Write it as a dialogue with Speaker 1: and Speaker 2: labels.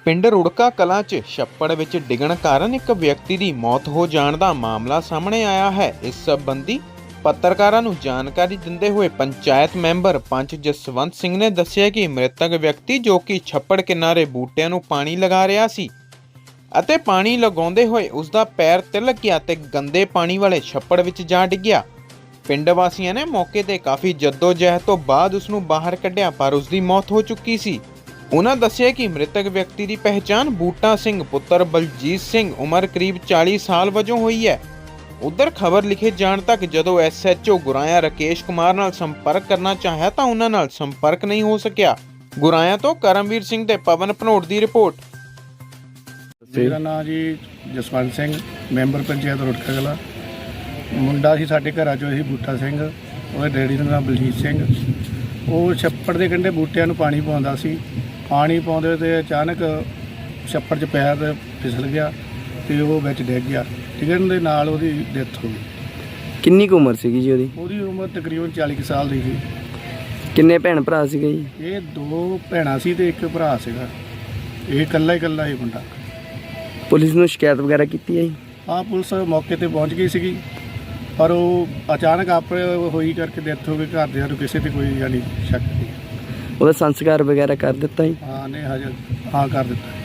Speaker 1: ਪਿੰਡ ਰੁੜਕਾ ਕਲਾਂ 'ਚ ਛੱਪੜ ਵਿੱਚ ਡਿੱਗਣ ਕਾਰਨ ਇੱਕ ਵਿਅਕਤੀ ਦੀ ਮੌਤ ਹੋ ਜਾਣ ਦਾ ਮਾਮਲਾ ਸਾਹਮਣੇ ਆਇਆ ਹੈ। ਇਸ ਸੰਬੰਧੀ ਪੱਤਰਕਾਰਾਂ ਨੂੰ ਜਾਣਕਾਰੀ ਦਿੰਦੇ ਹੋਏ ਪੰਚਾਇਤ ਮੈਂਬਰ ਪੰਚ ਜਸਵੰਤ ਸਿੰਘ ਨੇ ਦੱਸਿਆ ਕਿ ਮ੍ਰਿਤਕ ਵਿਅਕਤੀ ਜੋ ਕਿ ਛੱਪੜ ਕਿਨਾਰੇ ਬੂਟਿਆਂ ਨੂੰ ਪਾਣੀ ਲਗਾ ਰਿਹਾ ਸੀ ਅਤੇ ਪਾਣੀ ਲਗਾਉਂਦੇ ਹੋਏ ਉਸ ਦਾ ਪੈਰ ਤਿਲਕ ਗਿਆ ਤੇ ਗੰਦੇ ਪਾਣੀ ਵਾਲੇ ਛੱਪੜ ਵਿੱਚ ਜਾ ਡਿੱਗਿਆ। ਪਿੰਡ ਵਾਸੀਆਂ ਨੇ ਮੌਕੇ ਤੇ ਕਾਫੀ ਜਹਿਦ ਤੋਂ ਬਾਅਦ ਉਸ ਨੂੰ ਬਾਹਰ ਕੱਢਿਆ ਪਰ ਉਸ ਦੀ ਮੌਤ ਹੋ ਚੁੱਕੀ ਸੀ। ਉਹਨਾਂ ਦੱਸਿਆ ਕਿ ਮ੍ਰਿਤਕ ਵਿਅਕਤੀ ਦੀ ਪਹਿਚਾਣ ਬੂਟਾ ਸਿੰਘ ਪੁੱਤਰ ਬਲਜੀਤ ਸਿੰਘ ਉਮਰ ਕਰੀਬ 40 ਸਾਲ ਵਜੋਂ ਹੋਈ ਹੈ। ਉਧਰ ਖਬਰ ਲਿਖੇ ਜਾਣ ਤੱਕ ਜਦੋਂ SHO ਗੁਰਾਇਆ ਰਾਕੇਸ਼ ਕੁਮਾਰ ਨਾਲ ਸੰਪਰਕ ਕਰਨਾ ਚਾਹਿਆ ਤਾਂ ਉਹਨਾਂ ਨਾਲ ਸੰਪਰਕ ਨਹੀਂ ਹੋ ਸਕਿਆ। ਗੁਰਾਇਆ ਤੋਂ ਕਰਮਵੀਰ ਸਿੰਘ ਤੇ ਪਵਨ ਭਨੋਟ ਦੀ ਰਿਪੋਰਟ।
Speaker 2: ਮੇਰਾ ਨਾਮ ਜੀ ਜਸਵੰਤ ਸਿੰਘ, ਮੈਂਬਰ ਪੰਚਾਇਤ ਰੁੜਕਾ ਕਲਾਂ। ਮੁੰਡਾ ਸੀ ਸਾਡੇ ਘਰਾਂ 'ਚੋਂ ਸੀ ਬੂਟਾ ਸਿੰਘ, ਉਹਦੇ ਡੈਡੀ ਦਾ ਨਾਮ ਬਲਜੀਤ ਸਿੰਘ। ਉਹ ਛੱਪੜ ਦੇ ਕੰਢੇ ਬੂਟਿਆਂ ਨੂੰ ਪਾਣੀ ਪਾਉਂਦਾ ਸੀ। ਪਾਣੀ ਪਾਉਂਦੇ ਤੇ ਅਚਾਨਕ ਛੱਪੜ 'ਚ ਪੈਰ ਫਿਸਲ ਗਿਆ ਤੇ ਉਹ ਵਿੱਚ ਡਿੱਗ ਗਿਆ। ਡਿੱਗਣ ਦੇ ਨਾਲ ਉਹਦੀ ਡੈਥ ਹੋ ਗਈ।
Speaker 3: ਕਿੰਨੀ ਕੁ ਉਮਰ ਸੀਗੀ ਜੀ ਉਹਦੀ?
Speaker 2: ਉਹਦੀ ਉਮਰ ਤਕਰੀਬਨ 40 ਕੁ ਸਾਲ ਦੀ ਸੀ।
Speaker 3: ਕਿੰਨੇ ਭੈਣ ਭਰਾ ਸੀਗੇ ਜੀ?
Speaker 2: ਇਹ 2 ਭੈਣਾਂ ਸੀ ਤੇ ਇੱਕ ਭਰਾ ਸੀਗਾ। ਇਹ ਇਕੱਲਾ ਹੀ ਮੁੰਡਾ।
Speaker 3: ਪੁਲਿਸ ਨੂੰ ਸ਼ਿਕਾਇਤ ਵਗੈਰਾ ਕੀਤੀ ਹੈ ਜੀ?
Speaker 2: ਹਾਂ, ਪੁਲਿਸ ਮੌਕੇ ਤੇ ਪਹੁੰਚ ਗਈ ਸੀਗੀ ਪਰ ਉਹ ਅਚਾਨਕ ਆਪੇ ਹੋਈ ਕਰਕੇ ਡੈਥ ਹੋ ਗਈ। ਘਰਦਿਆਂ ਨੂੰ ਕਿਸੇ ਤੇ ਕੋਈ ਯਾਨੀ ਸ਼ੱਕ ਨਹੀਂ।
Speaker 3: ਉਹਦਾ ਸੰਸਕਾਰ ਵਗੈਰਾ ਕਰ ਦਿੱਤਾ ਜੀ?
Speaker 2: ਹਾਂ, ਨੇ ਹਜੇ ਹਾਂ ਕਰ ਦਿੱਤਾ।